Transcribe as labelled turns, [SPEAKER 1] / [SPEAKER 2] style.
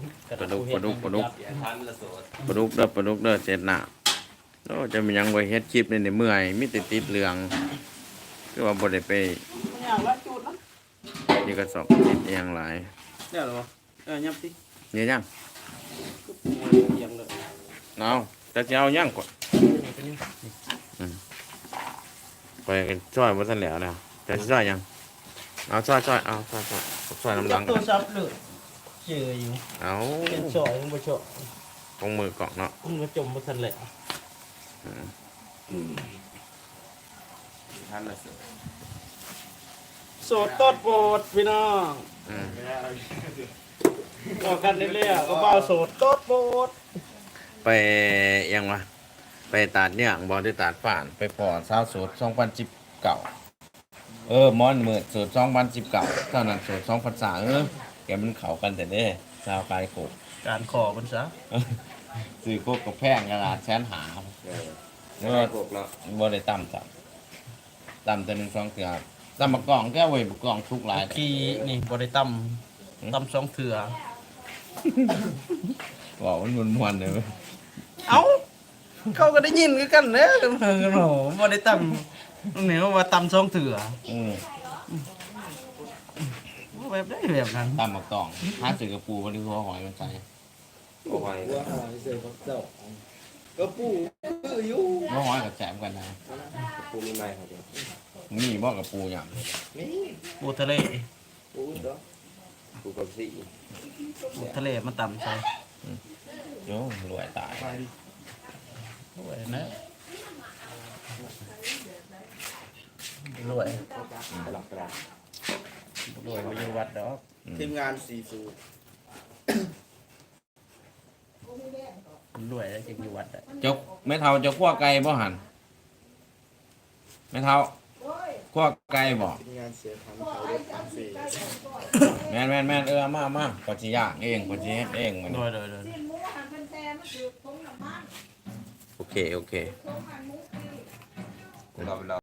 [SPEAKER 1] ปลาดุกปลาดุกปลาดุก
[SPEAKER 2] อย่าทันละโสด
[SPEAKER 1] ปลาดุกเด้อปลาดุกเด้อเสร็จหน้าโอ้จะมีหยังไว้เฮ็ดคลิปนี่เมื่อยมีแต่ติดเรื่องคือว่าบ่ได้ไป
[SPEAKER 3] มันอย่างละจุดนะ
[SPEAKER 1] นี่ก็สอบติดอหย่างหลาย
[SPEAKER 3] เดี๋ยวเหรอยับสิ
[SPEAKER 1] เนี่ยยัง
[SPEAKER 3] เอียงเลย
[SPEAKER 1] เอาแต่จะเอายังก่อนไปกันช่วยบ่ทันแล้วนะแต่สิช่วยยังเอาช่วยเอาช่วยน้ำหลัง
[SPEAKER 3] ตัวซับเลยเจออยู่
[SPEAKER 1] เอา
[SPEAKER 3] เป็นช่อยมันบ่ช่อย
[SPEAKER 1] ตรงมือกล่องเนาะ
[SPEAKER 3] มันมาจมมาทันแหละ
[SPEAKER 2] ทันละโสด
[SPEAKER 3] โสดตดโบดพี่น้อง
[SPEAKER 1] อืม
[SPEAKER 3] บอกกันเรื่อยๆก็เบาโสดตดโบด
[SPEAKER 1] ไปยังวะไปตัดเนี่ยงบอได้ตัดฝ่านไปพอสาวโสด2019มอนมืดโสด2019เท่านั้นโสด2003แกมันเข้ากันแต่เด้สาวกายโกบ
[SPEAKER 3] การขอมันซะ
[SPEAKER 1] ซื้อโคกกับแพงกระดาษแสนหา
[SPEAKER 2] เมื่อพวกเรา
[SPEAKER 1] บ่ได้ต่ำต่ำแต่1-2เทื่อต่ำมากล่องแก้วไว้มากล่องทุกหลาย
[SPEAKER 3] ขี้นี่บ่ได้ตำสองเถื่อ
[SPEAKER 1] บอกมันมวนๆเลยเว้ย
[SPEAKER 3] เอ้าเขาก็ได้ยินคือกันเด้อโอ้โหบ่ได้ตำนี่ว่าตำสองเถื่อ
[SPEAKER 1] อืม
[SPEAKER 3] แบบได้แบบนั้น
[SPEAKER 1] ต่ำมากล่องหาซื้อกระปูบ่ได้หัวหอยมันใส่
[SPEAKER 2] โอ้ย
[SPEAKER 4] ว่าหอยเสือพักเจ้าก็ปู่คืออยู่
[SPEAKER 1] หัวหอยกับแจมกันนะ
[SPEAKER 2] กูมีไม้ครับเดี๋ยว
[SPEAKER 1] มีบ่กับปูหยัง
[SPEAKER 4] นี่
[SPEAKER 3] ปูทะเล
[SPEAKER 4] ปู่เด้อ
[SPEAKER 2] กูกับสี่
[SPEAKER 3] ปูทะเลมันตำใส่
[SPEAKER 1] โยรวยตาย
[SPEAKER 3] รวยนะรวย
[SPEAKER 2] หลักกระดาษ
[SPEAKER 3] รวยบ่อยู่วัดดอก
[SPEAKER 4] ทีมงานซีฟูด
[SPEAKER 3] รวยแล้วจะอยู่วัดได้
[SPEAKER 1] เจ้าแม่เฒ่าเจ้าคั่วไก่บ่หันแม่เฒ่าคั่วไก่บ่
[SPEAKER 4] ทีมงานเสือทำเขาเด็กทำสี
[SPEAKER 1] แม่นเอามาก็สิย่างเองก็สิเฮ็ดเองมัน
[SPEAKER 3] รวยรวย
[SPEAKER 5] สิ้นหมูหันเป็นแทนมันคือคงน้ำมัน
[SPEAKER 1] โอเค
[SPEAKER 5] คงหันหมูปี
[SPEAKER 2] เรา